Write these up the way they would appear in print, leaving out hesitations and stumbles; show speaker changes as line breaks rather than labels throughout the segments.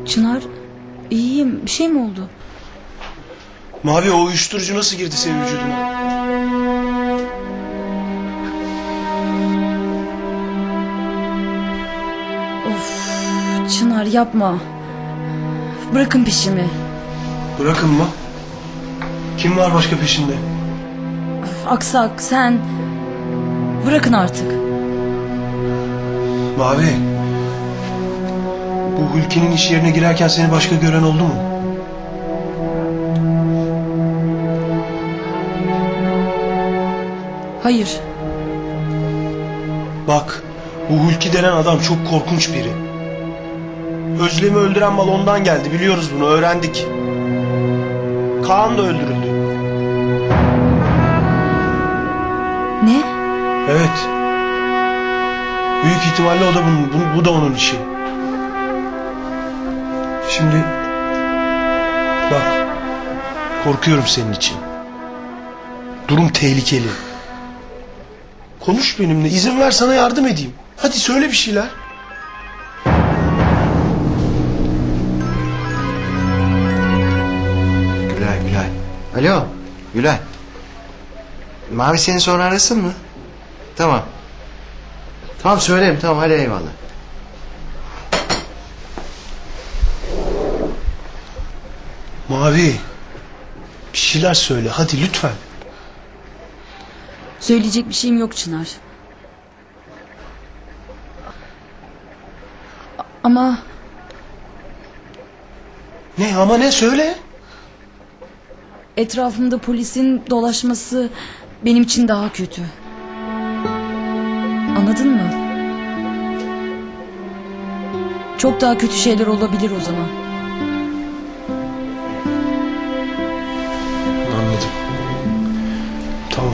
Çınar, iyiyim. Bir şey mi oldu?
Mavi, o uyuşturucu nasıl girdi senin vücuduna?
Of, Çınar yapma. Bırakın peşimi.
Bırakın mı? Kim var başka peşinde?
Aksak, sen... Bırakın artık.
Mavi, bu Hulki'nin iş yerine girerken seni başka gören oldu mu?
Hayır.
Bak, bu Hulki denen adam çok korkunç biri. Özlem'i öldüren mal ondan geldi, biliyoruz bunu, öğrendik. Kaan da öldürüldü.
Ne?
Evet. Büyük ihtimalle o da bu da onun işi. Şimdi bak, korkuyorum senin için. Durum tehlikeli. Konuş benimle, izin ver sana yardım edeyim. Hadi söyle bir şeyler.
Gülay. Alo Gülay. Mavi seni sonra arasın mı? Tamam. Tamam söylerim, tamam, hadi eyvallah.
Mavi, bir şeyler söyle hadi lütfen.
Söyleyecek bir şeyim yok Çınar. Ama...
Ne ama, ne söyle?
Etrafımda polisin dolaşması benim için daha kötü. Anladın mı? Çok daha kötü şeyler olabilir o zaman.
Anladım. Tamam.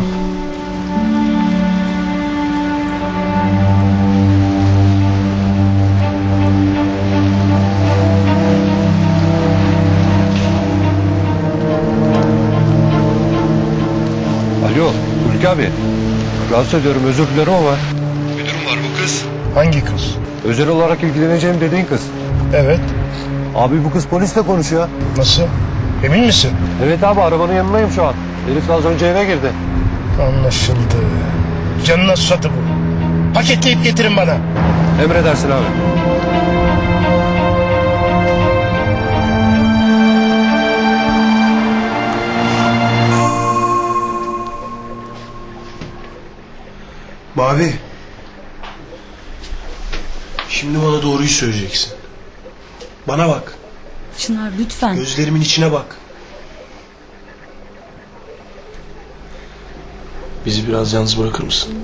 Alo Hulki abi. Rahatsız ediyorum, özür dilerim ama.
Bir durum var, bu kız.
Hangi kız? Özel olarak ilgileneceğim dediğin kız.
Evet.
Abi bu kız polisle konuşuyor.
Nasıl? Emin misin?
Evet abi, arabanın yanındayım şu an. Herif az önce eve girdi.
Anlaşıldı. Canına susadı bu. Paketleyip getirin bana.
Emredersin abi.
Mavi. Şimdi bana doğruyu söyleyeceksin. Bana bak.
Çınar lütfen.
Gözlerimin içine bak. Bizi biraz yalnız bırakır mısın?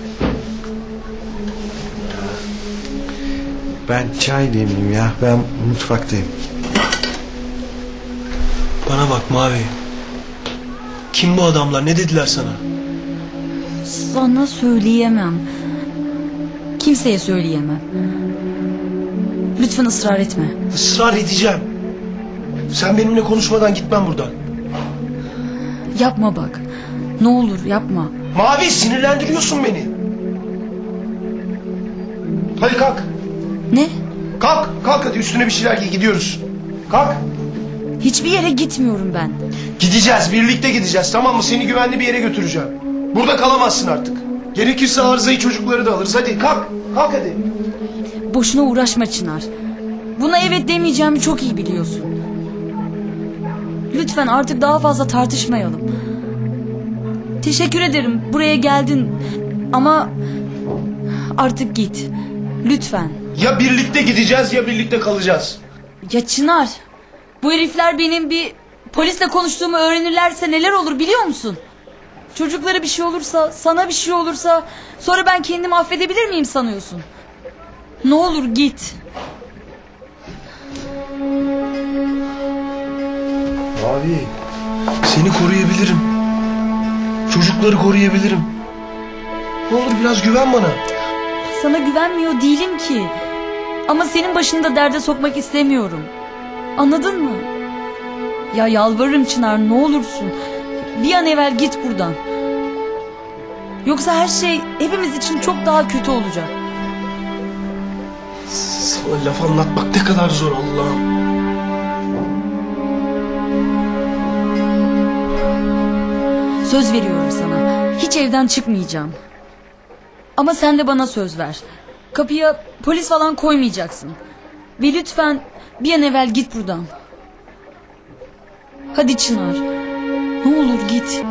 Ben çay demleyeyim ya, ben mutfaktayım.
Bana bak Mavi. Kim bu adamlar? Ne dediler sana?
Sana söyleyemem. Kimseye söyleyemem. Lütfen ısrar etme.
Israr edeceğim. Sen benimle konuşmadan gitmem buradan.
Yapma bak. Ne olur yapma.
Mavi, sinirlendiriyorsun beni. Hadi kalk.
Ne?
Kalk hadi, üstüne bir şeyler giy, gidiyoruz. Kalk.
Hiçbir yere gitmiyorum ben.
Gideceğiz, birlikte gideceğiz, tamam mı? Seni güvenli bir yere götüreceğim. Burada kalamazsın artık. Gerekirse arızayı, çocukları da alırız. Hadi kalk hadi.
Boşuna uğraşma Çınar. Buna evet demeyeceğimi çok iyi biliyorsun. Lütfen artık daha fazla tartışmayalım. Teşekkür ederim, buraya geldin. Ama artık git. Lütfen.
Ya birlikte gideceğiz ya birlikte kalacağız.
Ya Çınar, bu herifler benim bir polisle konuştuğumu öğrenirlerse neler olur biliyor musun? Çocuklara bir şey olursa, sana bir şey olursa, sonra ben kendimi affedebilir miyim sanıyorsun? Ne olur git.
Abi, seni koruyabilirim. Çocukları koruyabilirim. Ne olur biraz güven bana.
Sana güvenmiyor değilim ki. Ama senin başını da derde sokmak istemiyorum. Anladın mı? Ya yalvarırım Çınar, ne olursun. Bir an evvel git buradan. Yoksa her şey hepimiz için çok daha kötü olacak.
Sana laf anlatmak ne kadar zor Allah'ım.
Söz veriyorum sana. Hiç evden çıkmayacağım. Ama sen de bana söz ver. Kapıya polis falan koymayacaksın. Ve lütfen bir an evvel git buradan. Hadi Çınar. Ne olur git.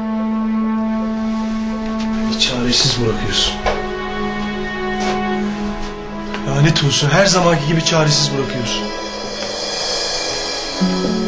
Beni çaresiz bırakıyorsun. Lanet olsun, her zamanki gibi çaresiz bırakıyorsun.